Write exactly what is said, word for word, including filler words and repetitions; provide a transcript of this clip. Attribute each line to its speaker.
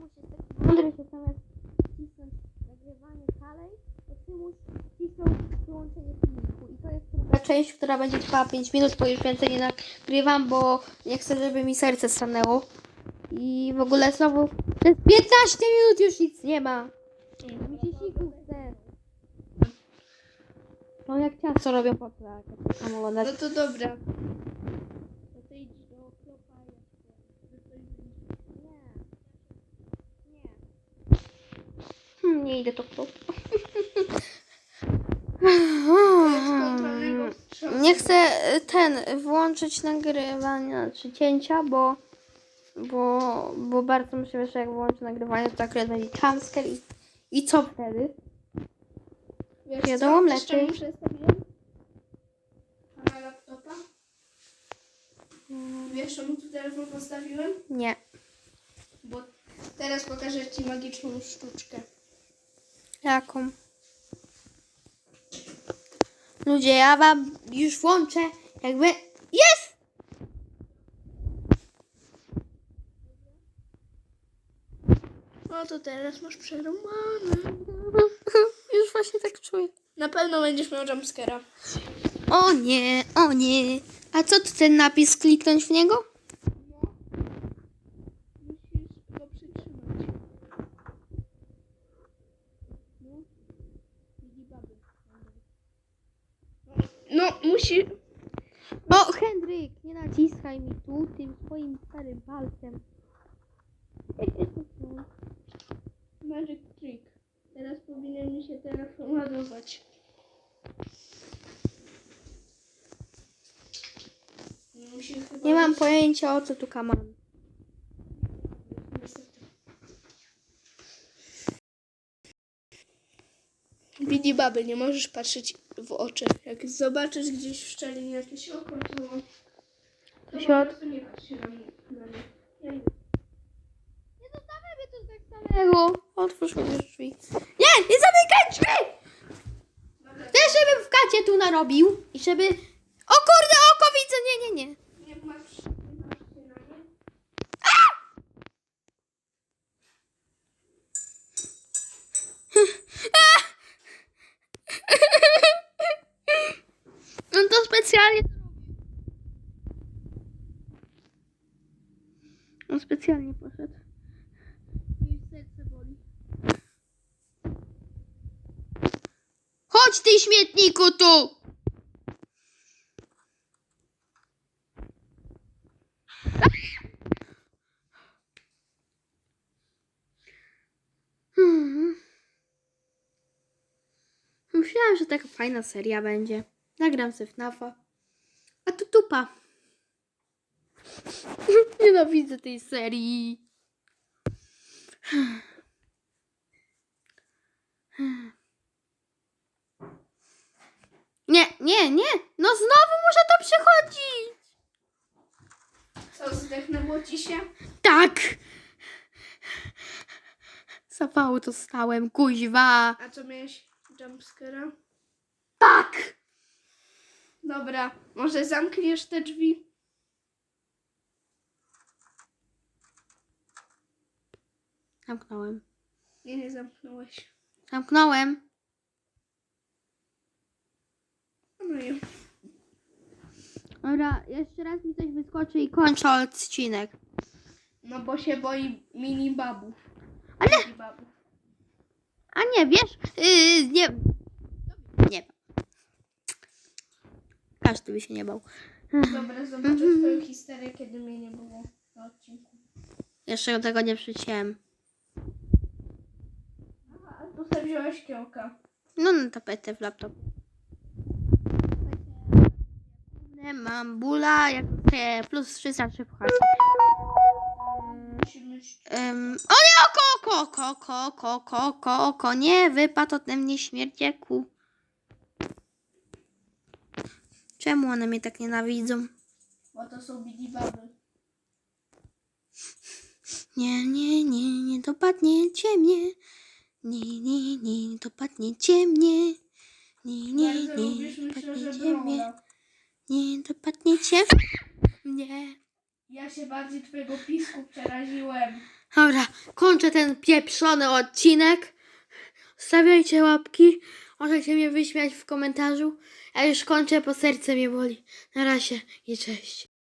Speaker 1: musisz taki mądry, że zamiast wcisnąć nagrywanie dalej, to ty musisz wcisnąć wyłączenie filmiku. I to jest druga część, która będzie trwała pięć minut, bo już więcej nie nagrywam, bo nie chcę, żeby mi serce stanęło. I w ogóle znowu przez piętnaście minut już nic nie ma. Mi się siku chce. No jak ciasto robią po tak, tam oglądać.
Speaker 2: No to dobra. No to idź do klopa.
Speaker 1: Nie. Nie. Hmm, nie idę to klub. Nie chcę ten włączyć nagrywania czy cięcia, bo bo, bo bardzo myślę, że jak włączę nagrywanie, to akurat będzie jumpscare i, i co wtedy?
Speaker 2: Wiesz
Speaker 1: Wiadomo,
Speaker 2: co?
Speaker 1: lepiej.
Speaker 2: Jeszcze muszę stawiłem na laptopa. Wiesz, czemu tu telefon postawiłem?
Speaker 1: Nie.
Speaker 2: Bo teraz pokażę ci magiczną sztuczkę.
Speaker 1: Jaką? Ludzie, ja wam już włączę, jakby... Jest!
Speaker 2: No to teraz masz przerąbane.
Speaker 1: Już właśnie tak czuję.
Speaker 2: Na pewno będziesz miał jumpscare'a.
Speaker 1: O nie, o nie. A co tu ten napis? Kliknąć w niego?
Speaker 2: No. Musisz go przytrzymać. No. Widzi baby. No, musi...
Speaker 1: O, Henryk, nie naciskaj mi tu tym swoim starym palcem.
Speaker 2: Magic trick. Teraz powinien mi się telefon ładować. Musi chyba
Speaker 1: Nie mam
Speaker 2: być-
Speaker 1: pojęcia, o co tu kaman.
Speaker 2: Widzi baby, nie możesz patrzeć w oczy. Jak zobaczysz gdzieś w szczelinie jakieś oko, to... to
Speaker 1: Się
Speaker 2: po
Speaker 1: od-
Speaker 2: prostu nie patrz się na mnie. Na mnie. Ja idę.
Speaker 1: Nie zostawiaj mnie tu tak samego. Otwórz mi te drzwi. Nie, nie zamykaj drzwi!
Speaker 2: Dobra,
Speaker 1: Chcę, żebym w kacie tu narobił i żeby... O kurde, oko widzę, nie, nie, nie.
Speaker 2: nie patrz, nie patrz się na mnie.
Speaker 1: On to specjalnie On specjalnie poszedł.
Speaker 2: Moje serce boli.
Speaker 1: Chodź ty śmietniku tu! Hmm. Myślałam, że taka fajna seria będzie. Nagram se F NAFa. A tu tupa. Nienawidzę tej serii. Nie, nie, nie. No znowu muszę to przechodzić.
Speaker 2: Co, zdechnęło ci się?
Speaker 1: Tak. Zapału dostałem, kuźwa.
Speaker 2: A co, miałeś jumpscare'a?
Speaker 1: Tak.
Speaker 2: Dobra, może zamkniesz te drzwi?
Speaker 1: Zamknąłem.
Speaker 2: Nie, nie zamknąłeś.
Speaker 1: Zamknąłem.
Speaker 2: No i
Speaker 1: Dobra, jeszcze raz mi coś wyskoczy i kończę odcinek.
Speaker 2: no bo się boi mini babów.
Speaker 1: Ale-
Speaker 2: Mini babów.
Speaker 1: A nie, wiesz? Yy, nie. Nie. Każdy by się nie bał.
Speaker 2: Dobra, zobaczę twoją historię, kiedy mnie nie było na odcinku.
Speaker 1: Jeszcze tego nie przyciąłem.
Speaker 2: Aha, a tu sobie wziąłeś kiełka.
Speaker 1: No na tapetę w laptop. Mam bula, jak te plus trzysta trzy puchary.
Speaker 2: Musimy...
Speaker 1: Um, o nie, oko, oko, oko, oko, oko, oko, oko, oko, nie, wypadł ode mnie śmierdzieku. Czemu one mnie tak nienawidzą?
Speaker 2: Bo to są mini baby.
Speaker 1: Nie, nie, nie, nie dopadniecie mnie. Nie, nie, nie, dopadniecie mnie. Nie, nie,
Speaker 2: Bardzo
Speaker 1: nie,
Speaker 2: lubisz, myślę, że
Speaker 1: dopadniecie mnie.
Speaker 2: Brawla.
Speaker 1: Nie dopadniecie mnie.
Speaker 2: Ja się bardziej twojego pisku przeraziłem.
Speaker 1: Dobra, kończę ten pieprzony odcinek. Stawiajcie łapki. Możecie mnie wyśmiać w komentarzu. Ja już kończę, bo serce mnie boli. Na razie i cześć.